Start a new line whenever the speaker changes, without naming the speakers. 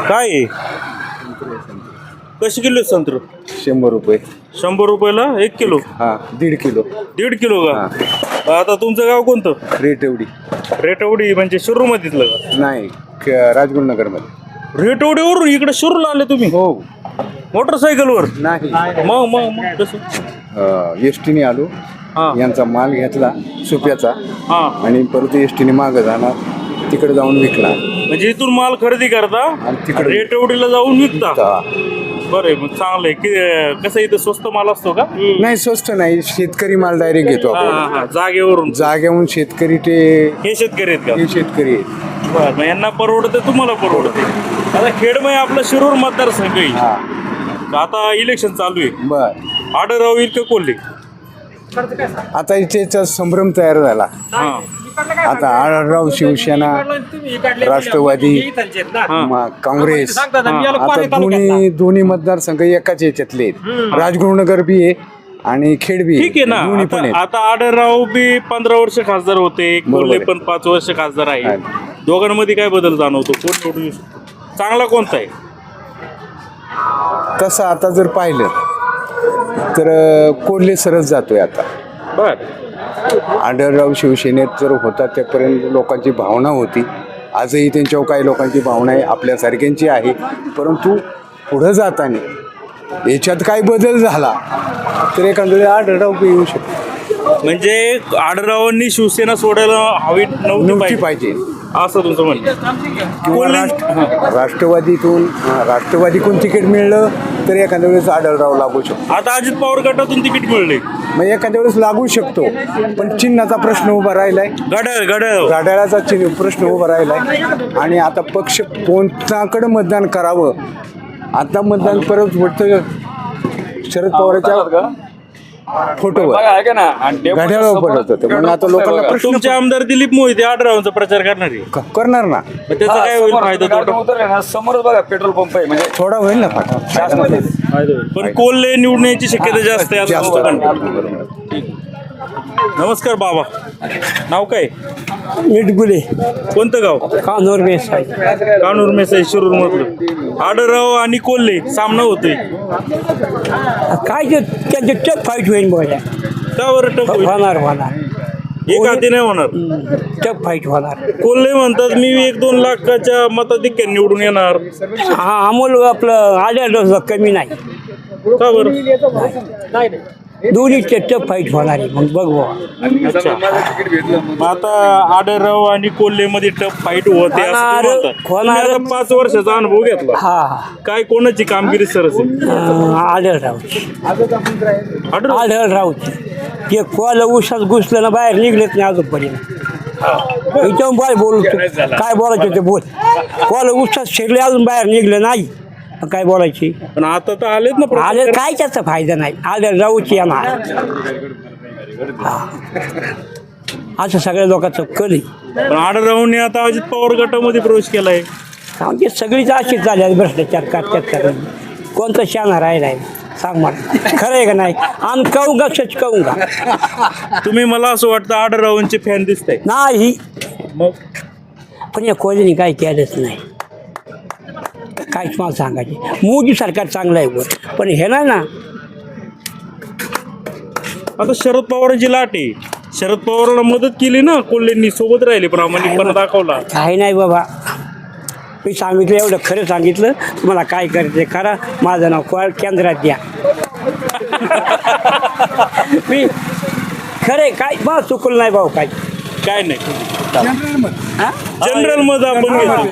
काय आहे? कशी किलो संत्र?
100 रुपये.
100 रुपयाला 1 किलो.
हा 1.5 किलो.
1.5 किलो का? आता तुमचं गाव कोणतं?
रेटवडी.
रेटवडी म्हणजे शिरूर मधीतलं का?
नाही राजगुरुनगर मध्ये.
रेटवडीवरून इकडे शिरूरला आले तुम्ही?
हो.
मोटरसायकलवर?
नाही
मग कसं?
एस टीने आलो.
हा
यांचा माल घेतला सुप्याचा
हा.
आणि परत एस टीने मागं जाणार तिकडे जाऊन विकला.
म्हणजे इथून माल खरेदी करता
आणि तिकडे
रेटवडीला जाऊन विकता?
हा.
बरं मग चांगलंय की कसं इथं स्वस्त माल असतो का?
नाही स्वस्त नाही, शेतकरी माल डायरेक्ट घेतो आपण.
जागेवरून
जाग्याहून शेतकरी ते
हे शेतकरी आहेत का?
हे शेतकरी आहेत.
बरं मग यांना परवडते तुम्हाला परवडते. आता खेडमय आपलं शिरूर मतदारसंघ आहे.
हा
आता इलेक्शन चालू आहे.
बर.
आढळराव येईल का कोल्हे?
आता इथेचा संभ्रम तयार झाला.
हा
आता आढळराव शिवसेना राष्ट्रवादी काँग्रेस आता दोन्ही मतदारसंघ एकाच याच्यातले आहेत. राजगुरुनगर बी आहे आणि खेड बी
ठीक आहे ना.
दोन्ही पण आहेत.
आता आढळराव बी 15 वर्ष खासदार होते, कोल्हे पण 5 वर्ष खासदार आहे. दोघांमध्ये काय बदल जाणवतो? कोण निवडून येऊ शकतो? चांगला कोणता आहे?
तसं आता जर पाहिलं तर कोल्हे सरस जातोय आता.
बर
आढळराव शिवसेनेत जर होता त्यापर्यंत लोकांची भावना होती. आजही त्यांच्यावर काही लोकांची भावना आहे, आपल्यासारख्यांची आहे. परंतु पुढं जाताना याच्यात काय बदल झाला तर एखाद्या आढळराव येऊ शकतो.
म्हणजे आढळरावांनी शिवसेना सोडायला हवी नव्हती
पाहिजे
असं तुमचं म्हणणं?
किंवा राष्ट्रवादीकडून तिकीट मिळलं तर एखाद्या वेळेस आढळराव लागू शकतो.
आता अजित पवार गटातून तिकीट मिळले
मग एखाद्या वेळेस लागू शकतो. पण चिन्हाचा प्रश्न उभा राहिलाय. घड्याळाचा चिन्ह प्रश्न उभा राहिलाय. आणि आता पक्ष कोणत्याकडे मतदान करावं, आता मतदान परत वाटतं शरद पवारच्या फोटोवर घड्याळावर पडत होते. मग आता लोकांना प्रश्न
तुमचे आमदार दिलीप मोहिते आढळरावांचा प्रचार करणार आहे.
करणार ना.
त्याचा काय होईल फायदा?
समोरच बघा पेट्रोल पंप आहे म्हणजे
थोडा होईल ना फायदा.
पण कोल्हे निवडून यायची शक्यता जास्त आहे असं तुमचं म्हणणं. नमस्कार बाबा, नाव काय?
इटगुले.
कोणतं गाव?
कानूर मेस.
कानूर मेसाई शिरूर मधलं. आढळराव आणि कोल्हे सामना होतोय.
काय ते त्यांचे टफ फाईट होईल बघा.
का बरं टप होईल?
होणार
एक हाती नाही होणार.
टफ फाईट होणार.
कोल्हे म्हणतात मी 1-2 लाखाच्या मताधिक्याने निवडून येणार.
हा अमोल आपलं आढळराव कमी नाही.
का बरं?
दोन्हीचे टफ फाईट होणार आहे. मग बघ
अच्छा. मग आता आढळराव आणि कोल्हे मध्ये टफ फाईट होते असं तुम्ही म्हणता. तुम्ही आता 5 वर्षाचा अनुभव घेतला.
हा
काय कोणाची कामगिरी सरस आहे?
आढळरावची ते कोला उसात घुसलं ना बाहेर निघलेत नाही अजूनपर्यंत. इथं बाय बोलू काय बोलायचं ते बोल. कोला उसात शिरले अजून बाहेर निघलं नाही, काय बोलायची.
पण आता तर आलेत ना.
आले काय त्याचा फायदा नाही. आढळरावची येणार असं सगळ्या लोकांचं कल आहे.
पण आढळरावांनी आता अजित पवार गटामध्ये प्रवेश केलाय.
म्हणजे सगळीच अशीच झाली आहे भ्रष्टाचार करतात. कोणतं शाना राहिलाय सांग मला, खरं आहे का नाही? आम्ही कहूंगा सच कहूंगा.
तुम्ही मला असं वाटतं आढळरावांचे फॅन दिसताय.
नाही
मग
पण या कोणीने काय केलंच नाही. काहीच मला सांगायचे. मोदी सरकार चांगलं आहे वर, पण हे ना
आता शरद पवारांची लाट आहे. शरद पवारांना मदत केली ना कोल्हेंनी, सोबत राहिले, प्रामाणिकपणा दाखवला.
काही नाही बाबा. मी सांगितलं एवढं खरं सांगितलं. तुम्हाला काय करायचं करा. माझं नाव केंद्रात द्या. मी खरे काय बा चुकलं नाही भाऊ. काय
नाही जनरल मध्ये आपण घेतो.